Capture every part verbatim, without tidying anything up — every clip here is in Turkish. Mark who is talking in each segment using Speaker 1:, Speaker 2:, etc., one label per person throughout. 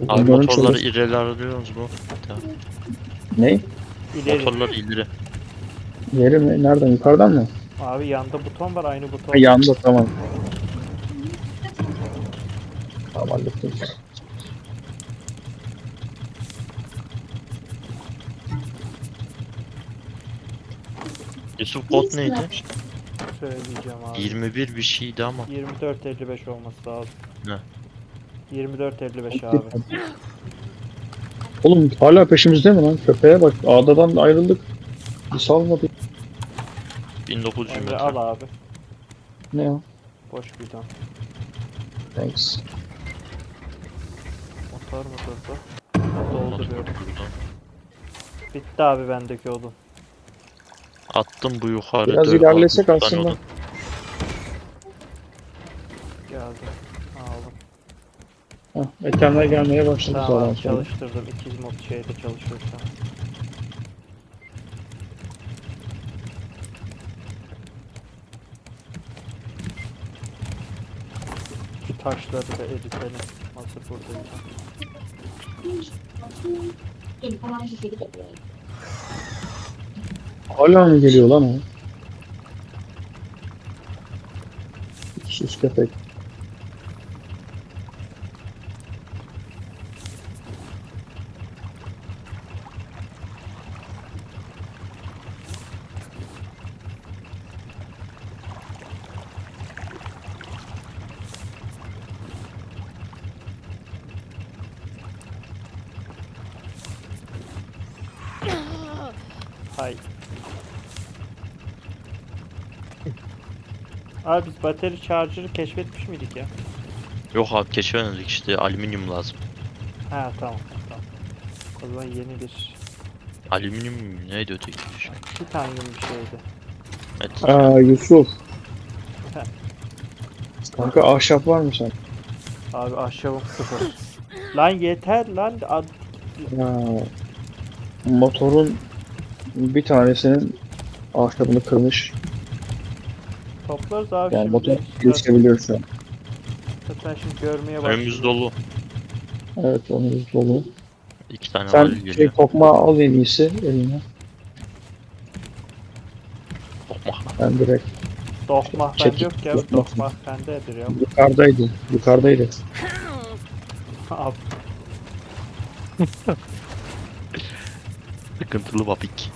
Speaker 1: Abi
Speaker 2: Bunların
Speaker 1: motorları
Speaker 2: çalış-
Speaker 1: ileri alıyoruz mu? Tamam.
Speaker 2: Ne?
Speaker 3: İleri.
Speaker 1: Motorları ileri.
Speaker 2: Yeri mi? Nereden? Yukarıdan mı?
Speaker 3: Abi yanda buton var, aynı buton.
Speaker 2: Ha, yanda tamam. Tamam hallettim.
Speaker 1: Yusuf kod neydi?
Speaker 3: Söyleyeceğim abi.
Speaker 1: yirmi bir bir şeydi ama.
Speaker 3: yirmi dört elli beş olması lazım.
Speaker 1: Ne?
Speaker 3: yirmi dört elli beş abi.
Speaker 2: Oğlum hala peşimizde mi lan? Köpeğe bak. Adadan ayrıldık. Bir salmadı.
Speaker 1: bin dokuz yüz
Speaker 3: Emre
Speaker 1: metre.
Speaker 3: al abi.
Speaker 2: Ne o?
Speaker 3: Boş bidon.
Speaker 2: Thanks.
Speaker 3: Motor mu durdu?
Speaker 1: Motor
Speaker 3: Dolduruyorum.
Speaker 1: burada.
Speaker 3: Bitti abi bendeki odun.
Speaker 1: Attım bu yukarı.
Speaker 2: Biraz
Speaker 1: dört-
Speaker 2: ilerlesek
Speaker 1: altı tane
Speaker 2: aslında.
Speaker 1: odun.
Speaker 3: Geldi. Aldım.
Speaker 2: Hah, ekranlar gelmeye başladı
Speaker 3: Tamam
Speaker 2: sonra.
Speaker 3: abi, çalıştırdım. İki mod şeyde çalışıyor şu an. Şu taşları da eritelim. Hazır buradayız.
Speaker 2: Hala mı geliyor lan o? Sus köpek.
Speaker 3: Hay. Abi biz bateri charger'ı keşfetmiş miydik ya?
Speaker 1: Yok abi keşfedemedik işte alüminyum lazım.
Speaker 3: Ha tamam tamam. O zaman yeni bir
Speaker 1: Alüminyum neydi öteki?
Speaker 3: titanyum bir şeydi.
Speaker 1: Evet.
Speaker 2: Aa Yusuf.
Speaker 3: Heh.
Speaker 2: Kanka ahşap var mı sen?
Speaker 3: Abi ahşabım sıfır. Lan yeter lan. Ad-
Speaker 2: Ha, motorun bir tanesinin ahşabını kırmış.
Speaker 3: Toplarız abi
Speaker 2: Yani
Speaker 3: şimdi.
Speaker 2: motor
Speaker 3: Zaten-
Speaker 2: geçebiliyor şu an.
Speaker 3: Zaten şimdi görmeye başladım.
Speaker 1: Önümüz dolu.
Speaker 2: Evet onun dolu.
Speaker 1: İki tane
Speaker 2: Sen
Speaker 1: valil
Speaker 2: şey
Speaker 1: geliyor.
Speaker 2: tokmağı al en iyisi eline.
Speaker 1: Tokmak.
Speaker 2: Ben direkt
Speaker 3: Dokmah bende
Speaker 2: Çekil,
Speaker 3: yok ya.
Speaker 2: dokmah.
Speaker 3: Dokmah bendedir ya.
Speaker 2: yukarıdaydı. Yukarıdaydı.
Speaker 3: Abi
Speaker 1: Sıkıntılı vapik.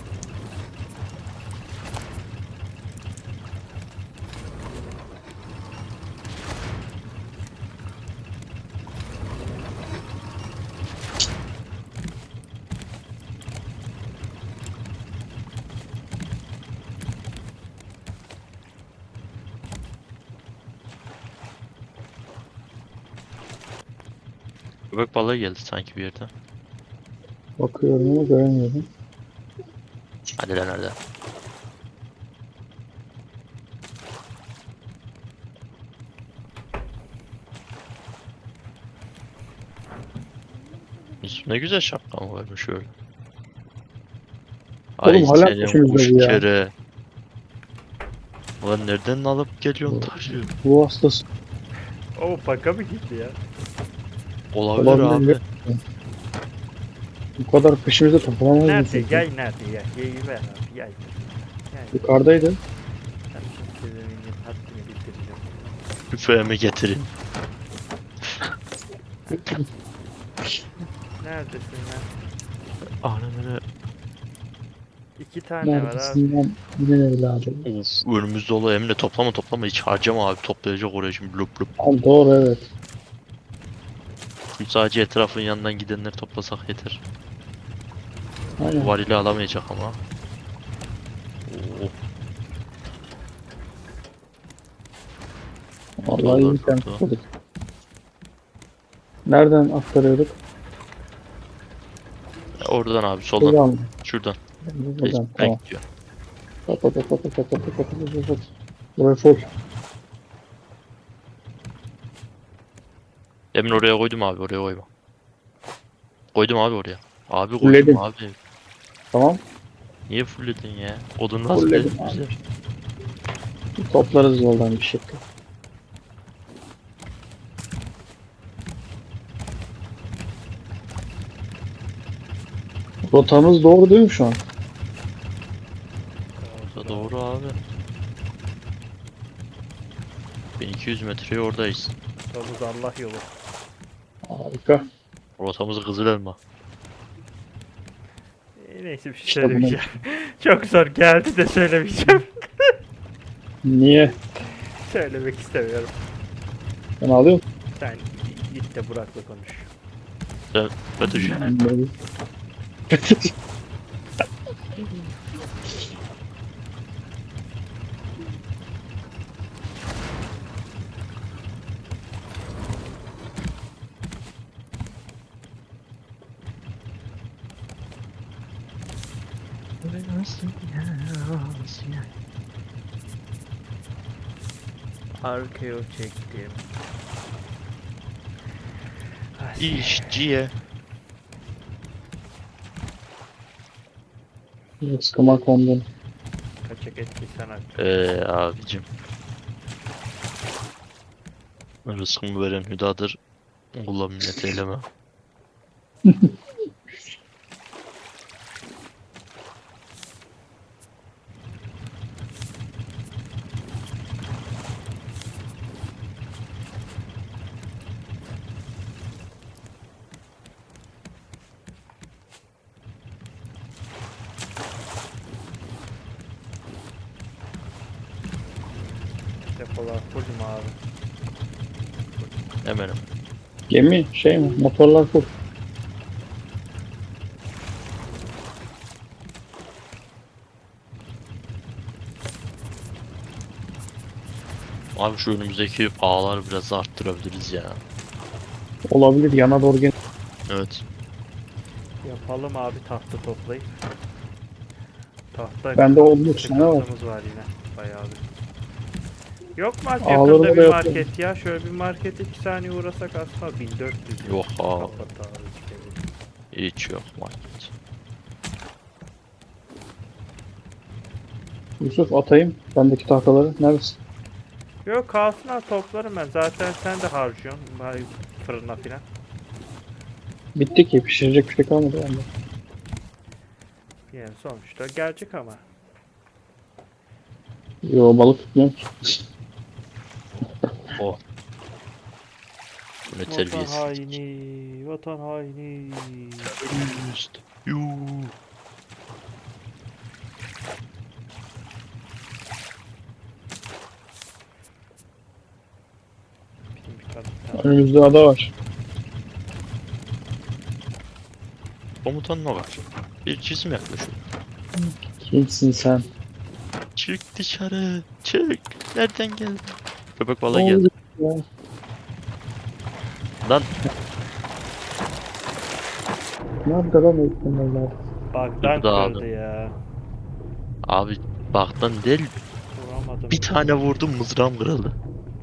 Speaker 1: Köpek balığı geldi sanki bir yerden.
Speaker 2: Bakıyorum ama göremiyorum.
Speaker 1: Hadi lan nerede? Yusuf ne güzel şapkan varmış öyle.
Speaker 2: Oğlum hala
Speaker 1: senin
Speaker 2: peşimizde
Speaker 1: kuş
Speaker 2: bu ya.
Speaker 1: kere. Ulan nereden alıp geliyorsun taşıyor?
Speaker 2: Bu hastası.
Speaker 3: o baka mı gitti ya?
Speaker 1: Olabilir
Speaker 2: Olabilir.
Speaker 1: abi.
Speaker 2: Bu kadar peşimizde toplamayız.
Speaker 3: Nerede?
Speaker 2: Yusuf.
Speaker 3: Yay nerede ya? Yayı ver abi yay. Yay.
Speaker 2: Yukarıdaydı.
Speaker 3: Ben şimdi size haddini bildireceğim.
Speaker 1: Üfeğimi getirin.
Speaker 3: Neredesin lan?
Speaker 1: Ananı.
Speaker 3: İki tane var abi.
Speaker 2: Neredesin lan? Yine evladım.
Speaker 1: Of önümüz dolu Emre toplama toplama hiç harcama abi toplayacak oraya şimdi lup lup.
Speaker 2: Al doğru evet.
Speaker 1: Şimdi sadece etrafın yanından gidenleri toplasak yeter.
Speaker 2: Aynen.
Speaker 1: Varili alamayacak ama. Oo.
Speaker 2: Vallahi iyi
Speaker 1: Motorlar
Speaker 2: sen
Speaker 1: durdu.
Speaker 2: tutmadık. Nereden aktarıyorduk?
Speaker 1: Oradan abi soldan.
Speaker 2: Buradan mı?
Speaker 1: Şuradan.
Speaker 2: Buradan.
Speaker 1: Ben
Speaker 2: Tamam.
Speaker 1: gidiyorum.
Speaker 2: Kapat kapat kapat kapat kapat kapat. Buraya full.
Speaker 1: Emin oraya koydum abi oraya koyma. Koydum abi oraya. Abi koydum
Speaker 2: Fullledim.
Speaker 1: abi.
Speaker 2: Tamam.
Speaker 1: Niye fullledin ya? Odun nasıl
Speaker 2: Fullledim
Speaker 1: dedin
Speaker 2: abi.
Speaker 1: bize?
Speaker 2: Toplarız yoldan bir şekilde. Rotamız doğru değil mi şu an?
Speaker 1: Da doğru abi. bin iki yüz metreye oradayız.
Speaker 3: Yolumuz Allah yolu.
Speaker 2: Harika.
Speaker 1: Rotamız Kızılelma.
Speaker 3: E, neyse bir şey
Speaker 2: İşte bunu-
Speaker 3: söylemeyeceğim. Çok zor geldi de söylemeyeceğim.
Speaker 2: Niye?
Speaker 3: Söylemek istemiyorum.
Speaker 2: Ben alıyorum.
Speaker 3: Sen git de Burak'la konuş.
Speaker 1: Sen FETÖ'cü.
Speaker 2: Böyle.
Speaker 3: Arkeo çektim.
Speaker 1: İşçiye.
Speaker 2: Sıkıma kondum.
Speaker 3: Kaçak etki sanat.
Speaker 1: Eee abicim. Rızkımı veren hüdadır. Kula minnet eyleme.
Speaker 3: Depolar full mu abi?
Speaker 1: Eminim.
Speaker 2: Gemi şey mi? Motorlar full.
Speaker 1: Abi şu önümüzdeki ağları biraz arttırabiliriz ya.
Speaker 2: Olabilir yana doğru gel.
Speaker 1: Evet.
Speaker 3: Yapalım abi tahta toplayıp. Tahta
Speaker 2: Bende olmuş ne var?
Speaker 3: sıkıntımız var yine. Bayağı bir. Yok mu abi
Speaker 2: Ağları
Speaker 3: yakında
Speaker 2: da
Speaker 3: bir
Speaker 2: yapalım.
Speaker 3: market ya? Şöyle bir market iki saniye uğrasak aslında bin dört yüz.
Speaker 1: Yok abi.
Speaker 3: Kapat abi. işte.
Speaker 1: Hiç yok market.
Speaker 2: Yusuf atayım. Bendeki tahtaları. Neredesin?
Speaker 3: Yok kalsın abi toplarım ben. Zaten sen de harcıyorsun. Bari fırına filan.
Speaker 2: Bitti ki. Pişirecek bir şey kalmadı bende.
Speaker 3: Yani sonuçta gelecek ama.
Speaker 2: Yo balık tutmuyorum ki.
Speaker 1: O. Bu ne
Speaker 3: Vatan
Speaker 1: terbiyesiz.
Speaker 3: haini, vatan haini.
Speaker 1: Terörist. Yuuu.
Speaker 3: Bizim bir kadın tamam.
Speaker 2: Önümüzde ada var.
Speaker 1: Komutan ne var? Bir cisim yaklaşıyor.
Speaker 2: Kimsin sen?
Speaker 1: Çık dışarı. Çık. Nereden geldin? Köpek balığı
Speaker 2: Ne
Speaker 1: geldi.
Speaker 2: oldu ya?
Speaker 1: Lan
Speaker 2: Nerede lan o ihtimaller?
Speaker 3: Bug'dan
Speaker 1: Dur da
Speaker 3: kırdı ya.
Speaker 1: abi baktan değil.
Speaker 3: Vuramadım.
Speaker 1: Bir tane vurdum mızrağım kırıldı.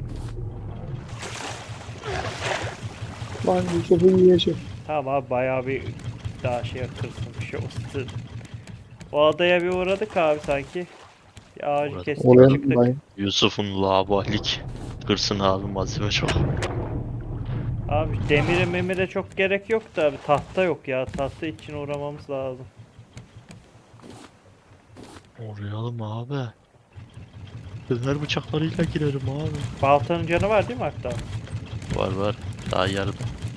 Speaker 2: Lan Yusuf'u yiyecek.
Speaker 3: Tamam abi bayağı bir daha şey kırsın bir şey olsun. O adaya bir uğradık abi sanki. Bir ağacı
Speaker 1: Uğradık.
Speaker 3: kestik
Speaker 2: Oraya
Speaker 3: çıktık.
Speaker 2: mı?
Speaker 1: Yusuf'un labalik. Kırsın abi malzeme çok.
Speaker 3: Abi demire memire çok gerek yok da abi tahta yok ya. Tahta için uğramamız lazım.
Speaker 1: Orayalım abi. Döner bıçaklarıyla girerim abi.
Speaker 3: Baltanın canı var değil mi hatta?
Speaker 1: Var var. Daha yarıda.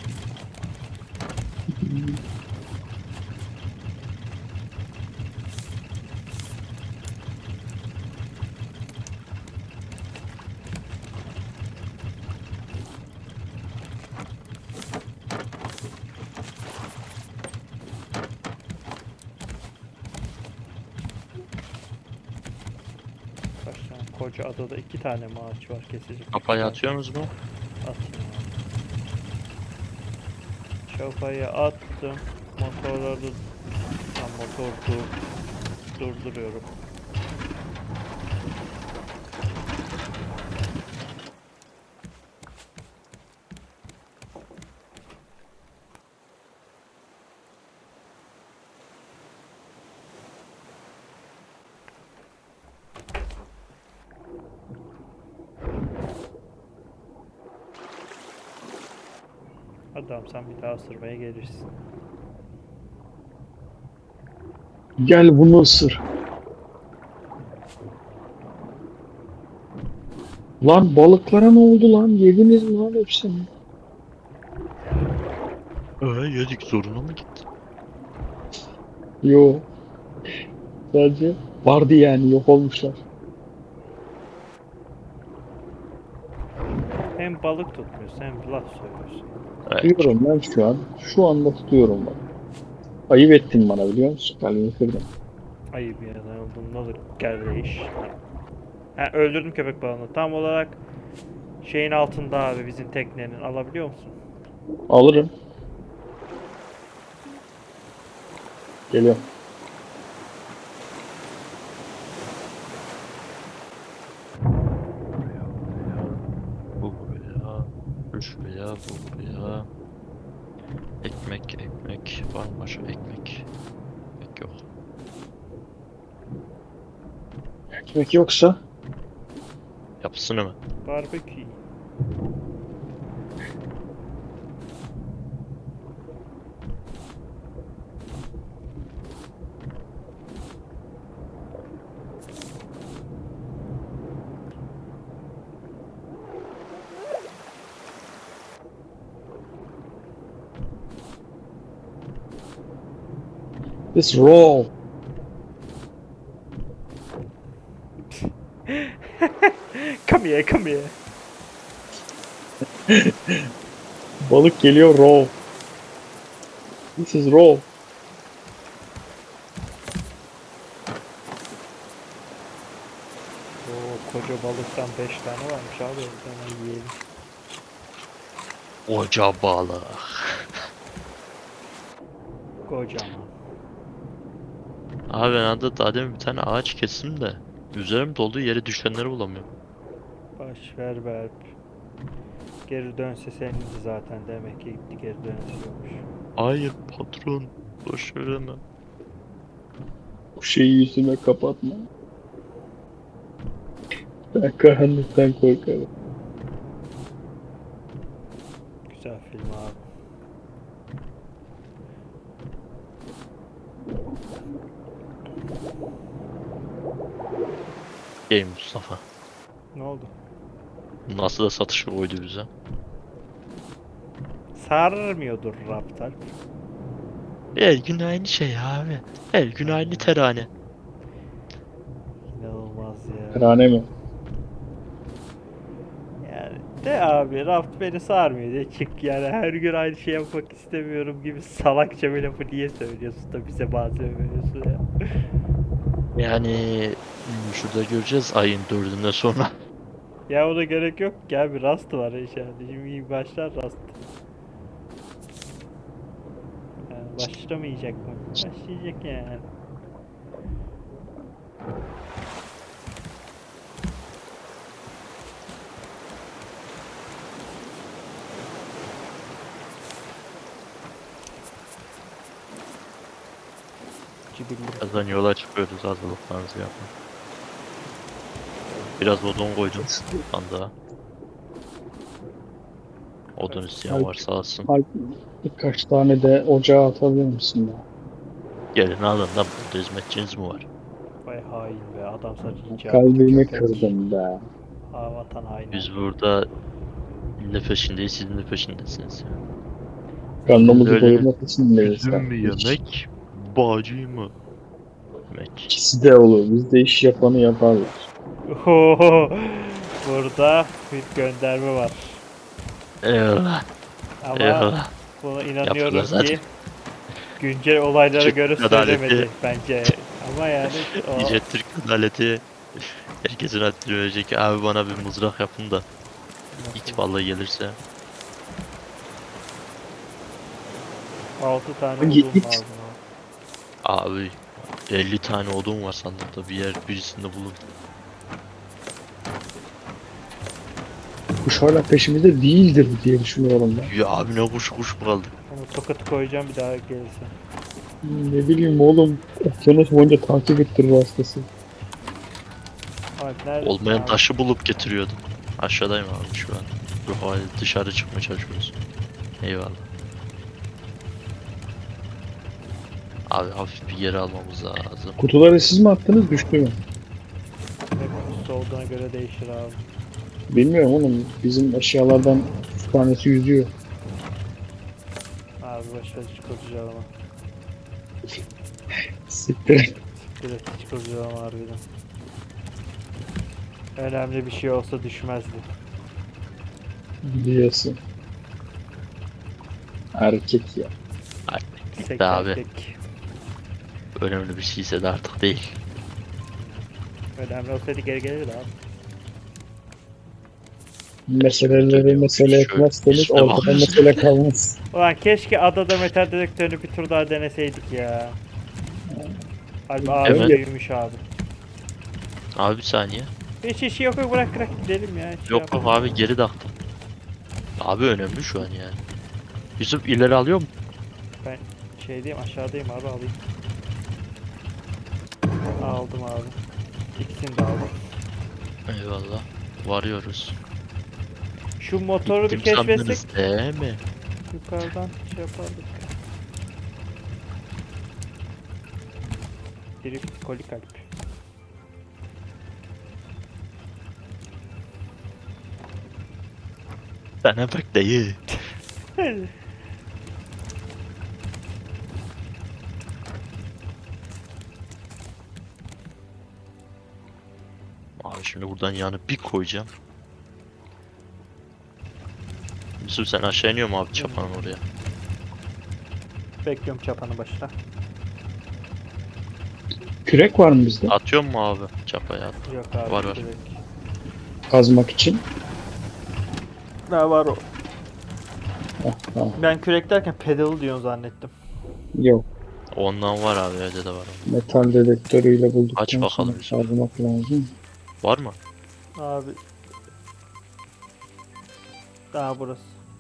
Speaker 3: Kaç tane? Koca adada iki tane mi ağaç var kesecek?
Speaker 1: Kafayı atıyorsunuz mu?
Speaker 3: Atayım abi. Çapayı attım. Motorları ha, motor dur, durduruyorum. Adam sen bir daha ısırmaya gelirsin.
Speaker 2: Gel bunu ısır. Lan balıklara ne oldu lan? Yediniz mi lan hepsini?
Speaker 1: Ee, yedik zoruna mı gitti?
Speaker 2: Yo. Sadece vardı yani yok olmuşlar.
Speaker 3: Hem balık tutmuyorsun hem laf söylüyorsun.
Speaker 1: Evet.
Speaker 2: Tutuyorum ben şu an. Şu anda tutuyorum bak. Ayıp ettin bana biliyor musun? Kalbimi kırdın.
Speaker 3: Ayıp ya ne oldum ne olur kardeş. Ha, öldürdüm köpek balığını. Tam olarak şeyin altında abi bizim teknenin. Alabiliyor musun?
Speaker 2: Alırım. Geliyorum.
Speaker 1: Bu buraya. Bu şuraya. Bu buraya. Ekmek, ekmek. Var mı başka ekmek? Ekmek yok.
Speaker 2: Ekmek yoksa
Speaker 1: Yapsın hemen.
Speaker 3: Barbekü.
Speaker 2: this roll.
Speaker 3: Come here, come here.
Speaker 2: Balık geliyor raw. This is raw.
Speaker 3: Oo, koca balıktan beş tane varmış abi. Hemen yiyelim.
Speaker 1: Oca balığı.
Speaker 3: Kocaman.
Speaker 1: Abi ben adı daha demin bir tane ağaç kestim de üzerim dolduğu yere düşenleri bulamıyorum.
Speaker 3: Baş ver Berp. Geri dönse senindi zaten demek ki gitti geri dönüyormuş.
Speaker 1: Hayır patron. Boş vereme.
Speaker 2: Bu şeyi yüzüme kapatma. Ben karanlıktan korkarım.
Speaker 3: Güzel film abi.
Speaker 1: Ey Mustafa.
Speaker 3: Ne oldu?
Speaker 1: Nasıl da satışı koydu bize.
Speaker 3: Sarmıyordur Raptor.
Speaker 1: Her gün aynı şey abi. Her gün aynı terane.
Speaker 3: İnanılmaz ya.
Speaker 2: Kırane mi?
Speaker 3: Yani de abi Raft beni sarmıyor diye çık yani her gün aynı şey yapmak istemiyorum gibi salakça bir lafı niye söylüyorsun da bize malzeme veriyorsun ya.
Speaker 1: Yani hmm, şurada göreceğiz ayın dördünden sonra.
Speaker 3: Ya ona gerek yok gel bir Rust var inşallah. Şimdi iyi başlar Rust. Yani başlamayacak mı? Başlayacak yani. Cibilli.
Speaker 1: Birazdan yola çıkıyoruz hazırlıklarınızı yapın. Biraz odun koydum sandığa. Odun isteyen varsa alsın.
Speaker 2: Alp, birkaç tane de ocağa atabilir misin ya?
Speaker 1: Gelin alın da burada hizmetçiniz mi var?
Speaker 3: Vay hain be adam sadece icat
Speaker 2: Kalbimi
Speaker 3: köpek.
Speaker 2: kırdın be.
Speaker 3: Ha, vatan haini.
Speaker 1: Biz burada ne peşindeyiz siz ne peşindesiniz?
Speaker 2: Karnımızı
Speaker 1: Öyle
Speaker 2: doyurmak için neyiz?
Speaker 1: Üzüm mü yemek, bağcı mı? Yemek.
Speaker 2: İkisi de olur. Biz de iş yapanı yaparlar.
Speaker 3: Ohoho, burada bir gönderme var.
Speaker 1: Eyvallah.
Speaker 3: Ama
Speaker 1: Eyvallah.
Speaker 3: buna
Speaker 1: Yaptılar
Speaker 3: inanıyorum
Speaker 1: zaten.
Speaker 3: ki güncel olaylara
Speaker 1: Türk
Speaker 3: göre
Speaker 1: adaleti.
Speaker 3: söylemedi bence. Ama yani o
Speaker 1: İyice Türk adaleti herkesin haddini verecek. Abi bana bir mızrak yapın da it balığı gelirse.
Speaker 3: altı tane
Speaker 2: Hangi
Speaker 3: odun
Speaker 2: it?
Speaker 3: lazım.
Speaker 1: Abi elli tane odun var sandıkta bir yer birisinde bulun.
Speaker 2: Kuş hala peşimizde değildir diye düşünüyorum ben.
Speaker 1: Ya abi ne kuş kuş mu kaldı?
Speaker 3: Onu tokatı koyacağım bir daha gelirse.
Speaker 2: Ne bileyim oğlum. Okyanus boyunca takip ettirir hastası.
Speaker 3: Alp neredesin
Speaker 1: Olmayan
Speaker 3: abi?
Speaker 1: taşı bulup getiriyordum. Aşağıdayım abi şu an. Yok hadi dışarı çıkmaya çalışıyoruz. Eyvallah. Abi hafif bir geri almamız lazım.
Speaker 2: Kutuları siz mi attınız düştü mü?
Speaker 3: Hep üstü olduğuna göre değişir abi.
Speaker 2: Bilmiyorum oğlum. Bizim eşyalardan üç tanesi yüzüyor.
Speaker 3: Abi başka hiç kurcalama.
Speaker 2: Siktir.
Speaker 3: Direkt hiç kurcalama harbiden. Önemli bir şey olsa düşmezdi.
Speaker 2: Biliyorsun. Erkek ya.
Speaker 1: Artık
Speaker 3: Sek
Speaker 1: de abi.
Speaker 3: erkek.
Speaker 1: Önemli bir şeyse de artık değil.
Speaker 3: Önemli olsaydı geri gelirdi abi.
Speaker 2: Meseleleri
Speaker 1: Dönüyormuş,
Speaker 2: mesele
Speaker 1: şöyle
Speaker 2: etmezseniz
Speaker 1: üstüne
Speaker 2: ortada
Speaker 1: bakıyorsun.
Speaker 2: mesele kalmaz.
Speaker 3: Ulan keşke adada metal dedektörünü bir tur daha deneseydik ya. Abi abi
Speaker 1: Evet.
Speaker 3: büyümüş abi.
Speaker 1: Abi bir saniye.
Speaker 3: Hiç işi yok yok bırak bırak gidelim ya. Hiç şey
Speaker 1: Yok yok
Speaker 3: yapalım.
Speaker 1: abi geri taktım. Abi önemli şu an yani. Yusuf ileri alıyor mu?
Speaker 3: Ben şeydeyim aşağıdayım abi alayım. Aldım abi. İkisini de aldım.
Speaker 1: Eyvallah. Varıyoruz.
Speaker 3: Şu motoru bir
Speaker 1: Gittim
Speaker 3: keşfetsek
Speaker 1: sandınız değil mi?
Speaker 3: yukarıdan şey yapardık. Drift koli kalp.
Speaker 1: Sana bak dayı. Abi şimdi buradan yanı bir koyacağım. Yusuf sen aşağı iniyor mu abi çapanın oraya?
Speaker 3: Bekliyorum çapanı başla.
Speaker 2: Kürek var mı bizde?
Speaker 1: Atıyor mu abi çapaya? At.
Speaker 3: Yok abi.
Speaker 1: Var, var.
Speaker 3: direkt.
Speaker 2: Kazmak için.
Speaker 3: Ha var o.
Speaker 2: Heh, tamam.
Speaker 3: Ben kürek derken pedalı diyorsun zannettim.
Speaker 2: Yok.
Speaker 1: Ondan var abi evde de var. Onun.
Speaker 2: Metal dedektörüyle bulduktan
Speaker 1: Aç bakalım
Speaker 2: sonra
Speaker 1: Yusuf.
Speaker 2: kazmak lazım.
Speaker 1: Var mı?
Speaker 3: Abi. Daha burası.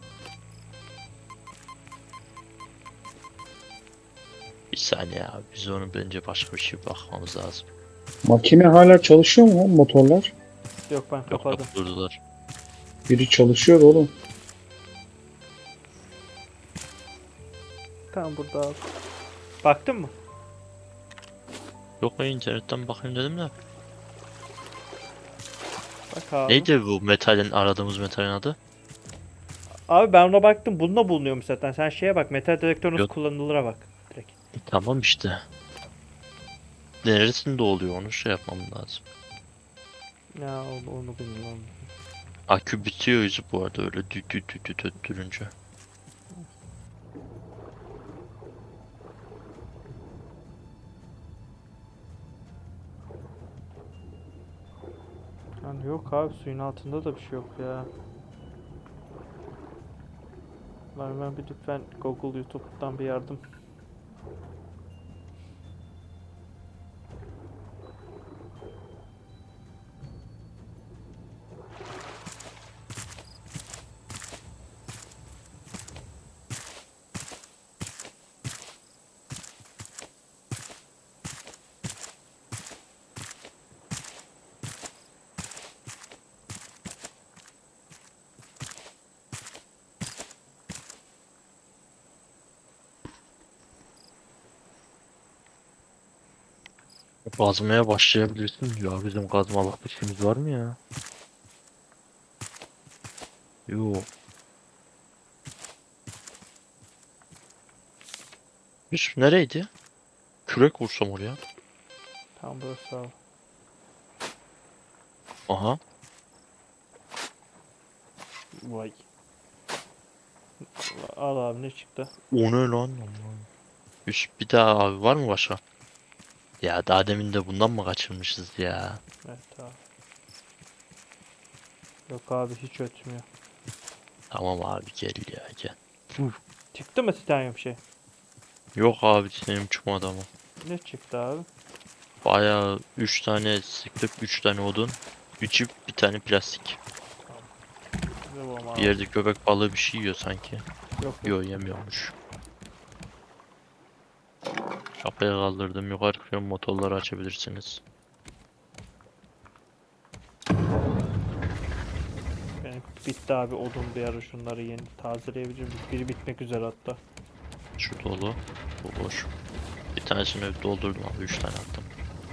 Speaker 1: Bir saniye abi biz onun bence başka bir şey bakmamız lazım.
Speaker 2: Makine hala çalışıyor mu motorlar?
Speaker 3: Yok ben
Speaker 1: Yok
Speaker 3: kapadım.
Speaker 1: yok durdular.
Speaker 2: Biri çalışıyor oğlum.
Speaker 3: Tamam burada abi. Baktın mı?
Speaker 1: Yok ben internetten bakayım dedim de.
Speaker 3: Bak abi.
Speaker 1: Neydi bu metalin aradığımız metalin adı?
Speaker 3: Abi ben ona baktım. Bununla bulunuyormuş zaten. Sen şeye bak. Metal dedektör nasıl
Speaker 1: Yok.
Speaker 3: kullanılır'a bak. Direkt.
Speaker 1: E, tamam işte. Neresinde oluyor onu şey yapmam lazım.
Speaker 3: Ya onu, onu bilmiyorum.
Speaker 1: Akü bitiyor yüzü bu arada öyle düt düt düt düt öttürünce.
Speaker 3: Yani yok abi suyun altında da bir şey yok ya. Lan ben bir lütfen Google YouTube'dan bir yardım.
Speaker 1: Kazmaya başlayabilirsin diyor. Bizim kazmalık işimiz var mı ya? Yok. Yusuf nereydi? Kürek vursam oraya.
Speaker 3: Tam burası abi.
Speaker 1: Aha.
Speaker 3: Vay. Al abi ne çıktı?
Speaker 1: O ne lan? Aman. Yusuf bir daha abi var mı başka? Ya daha demin de bundan mı kaçırmışız ya?
Speaker 3: Evet abi. Yok abi hiç ötmüyor.
Speaker 1: Tamam abi gel ya gel.
Speaker 3: Çıktı mı titanyum şey?
Speaker 1: Yok abi senin çıkmadı ama.
Speaker 3: Ne çıktı abi?
Speaker 1: Bayağı üç tane sıktık, üç tane odun. Üçü bir tane plastik.
Speaker 3: Ne bu ama
Speaker 1: Bir yerde köpek balığı bir şey yiyor sanki.
Speaker 3: Yok yok.
Speaker 1: Yok yemiyormuş. Kapıya kaldırdım. Yukarı çıkıyorum. Motorları açabilirsiniz.
Speaker 3: Benim bitti abi odun bir ara şunları yeni tazeleyebilirim. Biri bitmek üzere hatta.
Speaker 1: Şu dolu. Bu boş. Bir tanesini doldurdum abi. Üç tane attım.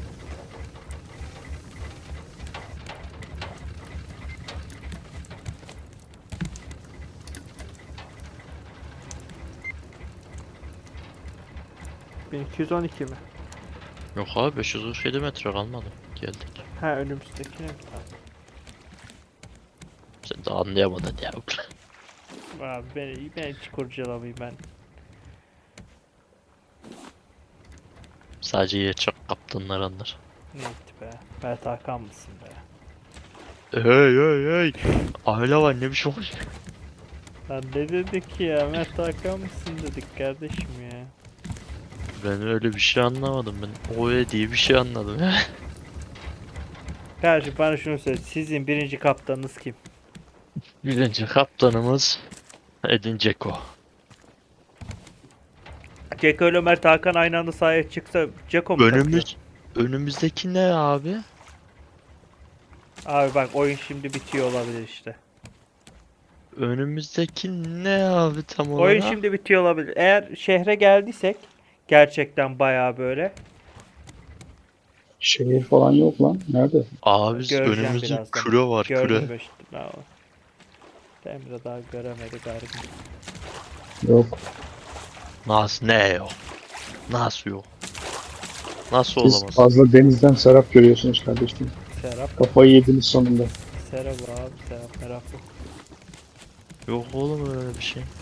Speaker 3: bin iki yüz on iki mi?
Speaker 1: Yok abi beş yüz otuz yedi metre kalmadı. Geldik.
Speaker 3: Ha önümüzdekine mi?
Speaker 1: Sen de anlayamadın ya.
Speaker 3: Abi beni, beni hiç kurcalamayayım ben.
Speaker 1: Sadece gerçek kaptanlar anlar.
Speaker 3: Neydi be? Mert Hakan mısın be?
Speaker 1: Hey hey hey. Aile var ne biçim olmuş.
Speaker 3: Lan ne dedik ya? Mert Hakan mısın dedik kardeşim ya.
Speaker 1: Ben öyle bir şey anlamadım. Ben Oe diye bir şey anladım.
Speaker 3: Kardeşim bana şunu söyle. Sizin birinci kaptanınız kim?
Speaker 1: Birinci kaptanımız Edin Dzeko.
Speaker 3: Ceko ile Mert Hakan aynı anda sahaya çıksa Ceko mu takıyor?
Speaker 1: Önümüz önümüzdeki ne abi?
Speaker 3: Abi bak oyun şimdi bitiyor olabilir işte.
Speaker 1: Önümüzdeki ne abi tam olarak?
Speaker 3: Oyun şimdi bitiyor olabilir. Eğer şehre geldiysek gerçekten bayağı böyle.
Speaker 2: Şehir falan yok lan. Nerede?
Speaker 1: Abi
Speaker 3: Göreceğim
Speaker 1: önümüzde
Speaker 3: birazdan.
Speaker 1: küre var
Speaker 3: Gördüm
Speaker 1: küre.
Speaker 3: işte. Bravo. Emre daha göremedi galiba.
Speaker 2: Yok.
Speaker 1: Nasıl ne yok? Nasıl yok? Nasıl
Speaker 2: Siz
Speaker 1: olamaz?
Speaker 2: fazla denizden serap görüyorsunuz kardeşim.
Speaker 3: Serap.
Speaker 2: Kafayı yediniz sonunda.
Speaker 3: Serap abi Serap merak yok.
Speaker 1: Yok oğlum öyle bir şey.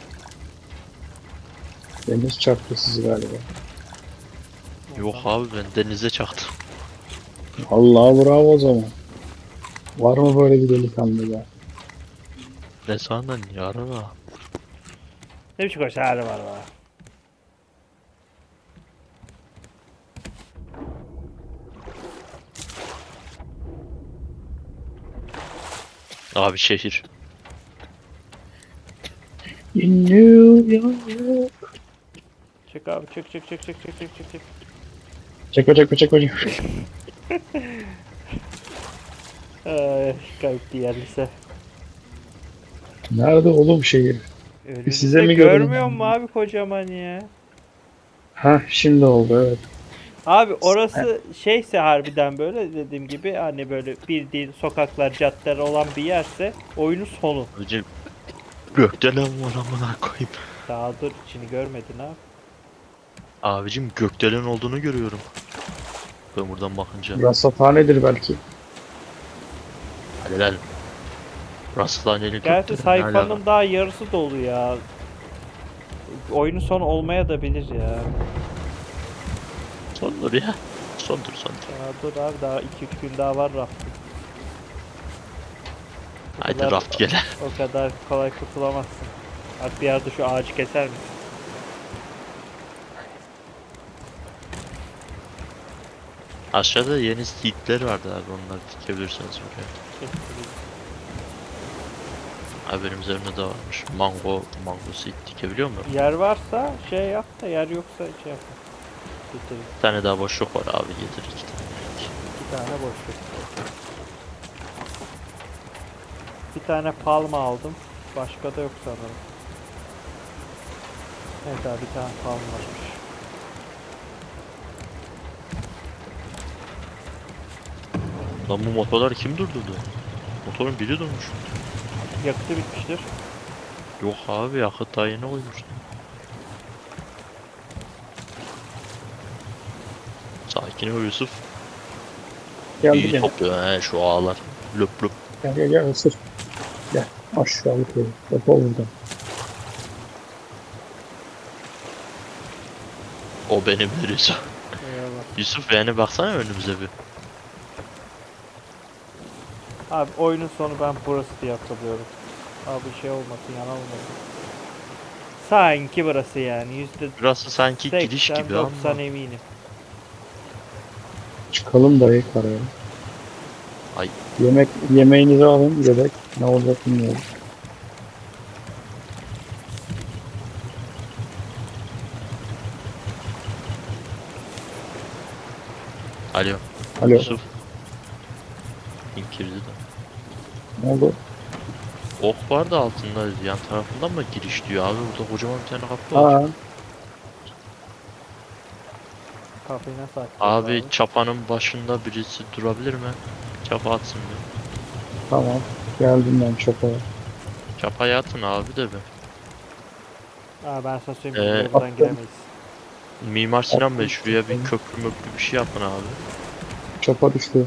Speaker 2: Deniz çarptı sizi galiba.
Speaker 1: Yok abi ben denize çaktım.
Speaker 2: Allah bravo o zaman. Var mı böyle bir delikanlı ya?
Speaker 1: Ne sandın yarına?
Speaker 3: Ne biçim koş hali var var.
Speaker 1: Abi şehir.
Speaker 2: In New York.
Speaker 3: Çık abi çık çık çık çık çık çık çık çık.
Speaker 2: Çekme çekme çekme. çekme.
Speaker 3: Ay kayıp diğerlise.
Speaker 2: Nerede oğlum şehir?
Speaker 3: Önünüzde
Speaker 2: Size mi
Speaker 3: görmüyor
Speaker 2: görünüyor?
Speaker 3: mu abi kocaman ya?
Speaker 2: Ha şimdi oldu evet.
Speaker 3: Abi orası şeyse harbiden böyle dediğim gibi hani böyle bildiğin sokaklar caddeler olan bir yerse oyunun sonu.
Speaker 1: Önce gökdelen var amına koyayım.
Speaker 3: Daha dur içini görmedin abi.
Speaker 1: Abicim gökdelen olduğunu görüyorum. Ben buradan bakınca.
Speaker 2: Rasathanedir belki.
Speaker 1: Hadi lan. Rastlaneli
Speaker 3: Gerçi
Speaker 1: gökdelen ne alaka?
Speaker 3: sayfanın daha yarısı dolu ya. Oyunun sonu olmaya da bilir ya.
Speaker 1: Sondur ya. Sondur sondur.
Speaker 3: Ya dur abi daha iki üç gün daha var rafting. O
Speaker 1: Haydi
Speaker 3: kadar-
Speaker 1: raft gele.
Speaker 3: O kadar kolay kurtulamazsın. Bak bir yerde şu ağacı keser misin?
Speaker 1: Aşağıda yeni seedler vardı abi onları dikebilirsiniz buraya.
Speaker 3: Kesin.
Speaker 1: Abi benim üzerimde de varmış. Mango, mango seed dikebiliyor mu?
Speaker 3: Yer varsa şey yap da yer yoksa şey yap. Getir.
Speaker 1: Bir tane daha boşluk var abi getir iki tane.
Speaker 3: Bir tane boşluk. Bir tane palma aldım. Başka da yok sanırım. Evet abi bir tane palma varmış.
Speaker 1: Lan bu motorları kim durdurdu? Motorun biri durmuş.
Speaker 3: Yakıtı bitmiştir.
Speaker 1: Yok abi yakıt daha yeni koymuş. Sakin ol Yusuf.
Speaker 2: Geldi
Speaker 1: İyi
Speaker 2: gene.
Speaker 1: topluyor he şu ağlar. Löp löp.
Speaker 2: Gel gel gel ısır. Gel aşağılık herif. Defol buradan.
Speaker 1: O benimdir Yusuf.
Speaker 3: Eyvallah.
Speaker 1: Yusuf yani baksana önümüze bir.
Speaker 3: Abi oyunun sonu ben burası diye hatırlıyorum. Abi şey olmasın yalan olmasın. Sanki burası yani yüzde
Speaker 1: Burası sanki giriş
Speaker 3: seksen
Speaker 1: gibi ama.
Speaker 3: doksan eminim.
Speaker 2: Çıkalım dayı karaya.
Speaker 1: Ay.
Speaker 2: Yemek yemeğinizi alın yedek. Ne olacak bilmiyorum.
Speaker 1: Alo.
Speaker 2: Alo.
Speaker 1: Yusuf. Kim girdi de.
Speaker 2: Ne oldu?
Speaker 1: Ok var da altında yan tarafından mı giriş diyor abi burada kocaman bir tane kapı var.
Speaker 2: Aa.
Speaker 3: Kafayı nasıl açacağız
Speaker 1: Abi,
Speaker 3: abi?
Speaker 1: çapanın başında birisi durabilir mi? Çapa atsın bir.
Speaker 2: Tamam. Geldim ben çapaya.
Speaker 1: Çapaya atın abi de bir.
Speaker 3: Aa, ben sana söyleyeyim, biz
Speaker 1: Ee,
Speaker 3: buraya buradan
Speaker 2: attım.
Speaker 3: giremeyiz.
Speaker 1: Mimar Sinan Bey,
Speaker 2: Attım
Speaker 1: şuraya bir
Speaker 2: çapayı.
Speaker 1: köprü möprü bir şey yapın abi.
Speaker 2: Çapa düştü.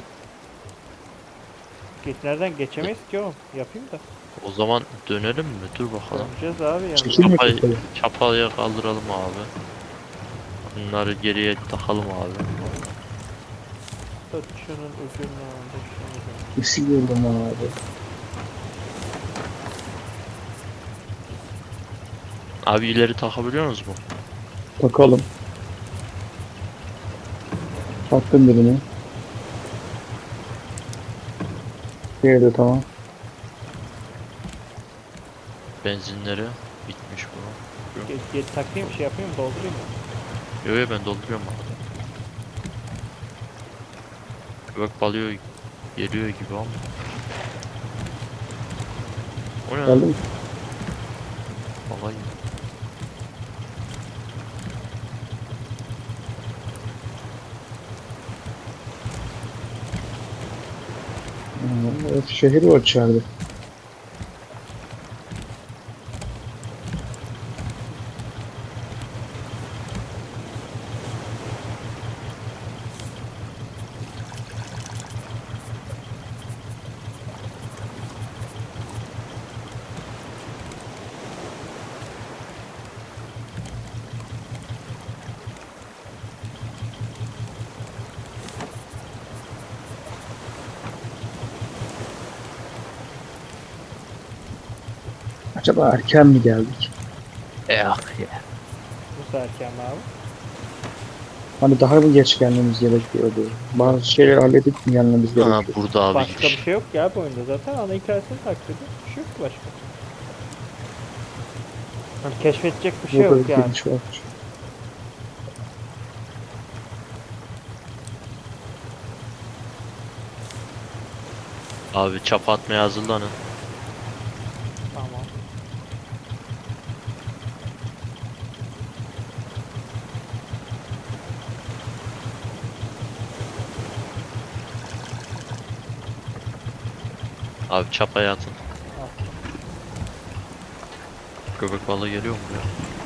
Speaker 3: Geç, nereden geçemeyiz ki oğlum? Yapayım da.
Speaker 1: O zaman dönelim mi? Dur bakalım.
Speaker 3: Döneceğiz abi yani.
Speaker 2: Çekil mi
Speaker 1: Çapayı,
Speaker 2: çapayı?
Speaker 1: çapaya kaldıralım abi. Bunları geriye takalım abi.
Speaker 3: Tut şunun ucunu. Tut şunun ucunu.
Speaker 2: Kesin gördüm lan abi.
Speaker 1: Abi ileri takabiliyor musunuz mu?
Speaker 2: Takalım. Taktım birini. Diğeri de tamam.
Speaker 1: Benzinleri bitmiş bu.
Speaker 3: Geç, geç takayım, şey yapayım mı? Doldurayım mı?
Speaker 1: Yo yo, ben dolduruyorum abi. Köpek balığı geliyor gibi ama. O ne?
Speaker 2: Geldi mi?
Speaker 1: Vallahi.
Speaker 2: Hmm, evet, şehir var içeride. Acaba erken mi geldik?
Speaker 1: Eh ya.
Speaker 3: Bu erken abi.
Speaker 2: Hani daha mı geç gelmemiz gerekiyordu? Bazı şeyleri halledip mi gelmemiz
Speaker 1: Ha,
Speaker 2: gerekiyor?
Speaker 1: burada abi
Speaker 3: Başka bir
Speaker 1: giriş.
Speaker 3: şey yok ya bu oyunda zaten. Ana hikayesini takip ediyor. Bir şey yok ki başka. Hani keşfedecek bir şey
Speaker 2: Burada
Speaker 3: yok
Speaker 2: bir
Speaker 3: yani.
Speaker 2: giriş var.
Speaker 1: Abi çapa atmaya hazırlanın.
Speaker 3: Tamam.
Speaker 1: Abi çapaya atın.
Speaker 3: Al.
Speaker 2: Köpek
Speaker 1: balığı geliyor mu ya?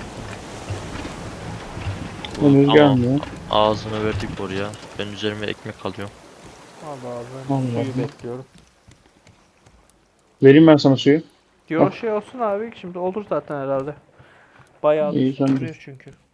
Speaker 2: Henüz
Speaker 1: Tamam.
Speaker 2: gelmiyor.
Speaker 1: Ağzını verdik oraya. Ben üzerime ekmek alıyorum.
Speaker 3: Al abi.
Speaker 2: Allah
Speaker 3: Suyu
Speaker 2: Allah.
Speaker 3: bekliyorum.
Speaker 2: Vereyim ben sana suyu.
Speaker 3: Diyor şey olsun abi, şimdi olur zaten herhalde. Bayağı
Speaker 2: İyi, sen de.
Speaker 3: sürüyor çünkü.